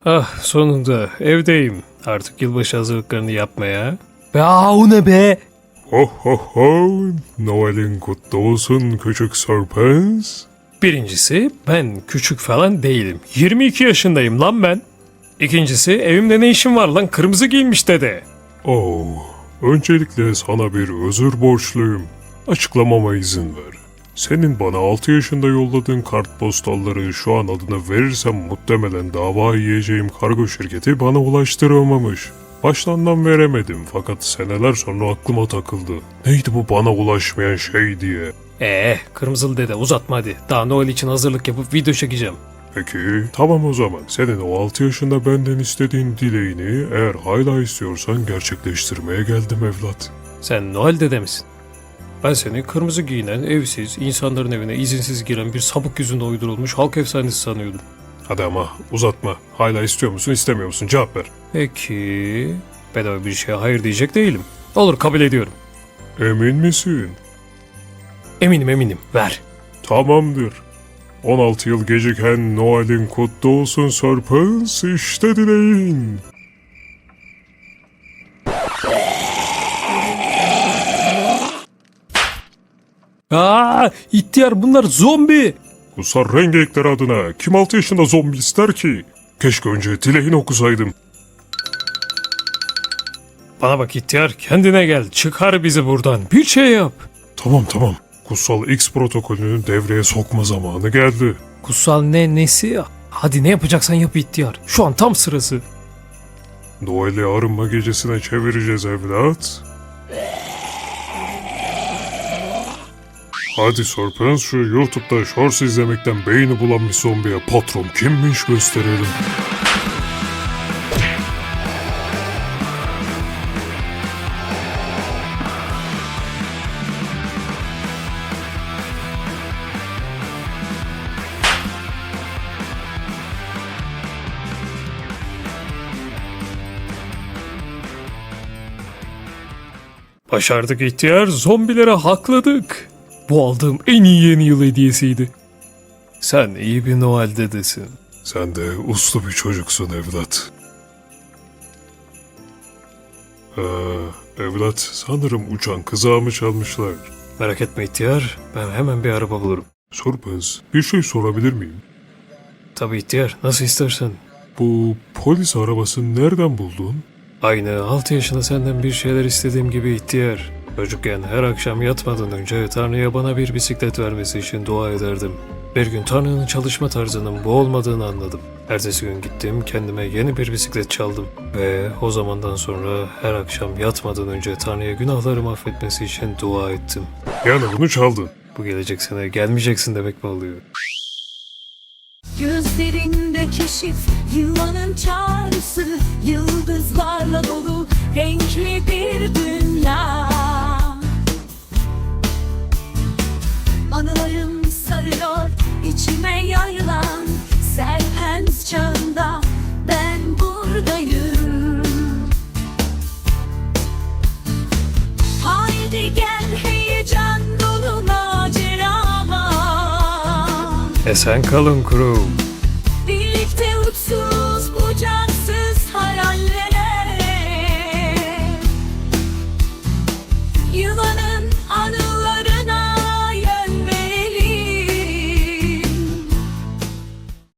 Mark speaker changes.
Speaker 1: Ah, sonunda evdeyim. Artık yılbaşı hazırlıklarını yapmaya.
Speaker 2: O ne be?
Speaker 3: Ho ho ho, Noel'in kutlu olsun küçük Sörpens.
Speaker 1: Birincisi, ben küçük falan değilim. 22 yaşındayım lan ben. İkincisi, evimde ne işim var lan, kırmızı giymiş dede.
Speaker 3: Oh, öncelikle sana bir özür borçluyum. Açıklamama izin ver. Senin bana 6 yaşında yolladığın kartpostalları şu an adına verirsem muhtemelen dava yiyeceğim kargo şirketi bana ulaştıramamış. Baştan veremedim fakat seneler sonra aklıma takıldı. Neydi bu bana ulaşmayan şey diye.
Speaker 1: Kırmızılı dede uzatma hadi. Daha Noel için hazırlık yapıp video çekeceğim.
Speaker 3: Peki, tamam o zaman. Senin o 6 yaşında benden istediğin dileğini eğer hala istiyorsan gerçekleştirmeye geldim evlat.
Speaker 1: Sen Noel dede misin? Ben seni kırmızı giyinen, evsiz, insanların evine izinsiz giren bir sapık yüzünde uydurulmuş halk efsanesi sanıyordum.
Speaker 3: Hadi ama uzatma. Hala istiyor musun istemiyor musun cevap ver.
Speaker 1: Peki, bedava bir şeye hayır diyecek değilim. Olur, kabul ediyorum.
Speaker 3: Emin misin?
Speaker 1: Eminim, ver.
Speaker 3: Tamamdır. 16 yıl geciken Noel'in kutlu olsun Sörpens, işte dileğin.
Speaker 1: İhtiyar bunlar zombi.
Speaker 3: Kusar Rengeekler adına kim 6 yaşında zombi ister ki? Keşke önce dileğini okusaydım.
Speaker 1: Bana bak ihtiyar, kendine gel, çıkar bizi buradan, bir şey yap.
Speaker 3: Tamam. Kutsal X protokolünü devreye sokma zamanı geldi.
Speaker 1: Kutsal nesi? Hadi ne yapacaksan yap ihtiyar. Şu an tam sırası.
Speaker 3: Noel'i arınma gecesine çevireceğiz evlat. Hadi Sörpens şu YouTube'da shorts izlemekten beyni bulanmış zombiye patron kimmiş gösterelim.
Speaker 1: Başardık ihtiyar, zombilere hakladık. Bu aldığım en iyi yeni yıl hediyesiydi. Sen iyi bir Noel dedesin.
Speaker 3: Sen de uslu bir çocuksun evlat. Evlat sanırım uçan kızağımı çalmışlar.
Speaker 1: Merak etme ihtiyar, ben hemen bir araba bulurum.
Speaker 3: Sörpens bir şey sorabilir miyim?
Speaker 1: Tabii ihtiyar, nasıl istersen.
Speaker 3: Bu polis arabasını nereden buldun?
Speaker 1: Aynı 6 yaşında senden bir şeyler istediğim gibi ihtiyar. Çocukken her akşam yatmadan önce Tanrı'ya bana bir bisiklet vermesi için dua ederdim. Bir gün Tanrı'nın çalışma tarzının bu olmadığını anladım. Ertesi gün gittim, kendime yeni bir bisiklet çaldım. Ve o zamandan sonra her akşam yatmadan önce Tanrı'ya günahlarımı affetmesi için dua ettim.
Speaker 3: Yani bunu çaldın.
Speaker 1: Bu gelecek sene gelmeyeceksin demek mi oluyor?
Speaker 4: Gözlerinde keşif, yılanın çağrısı, yıldızlarla dolu renkli bir dünya. Anılarım sarıyor içime yayılan Serpens çağında ben buradayım. Haydi gel heyecan dolu macerama.
Speaker 1: Esen kalın crew.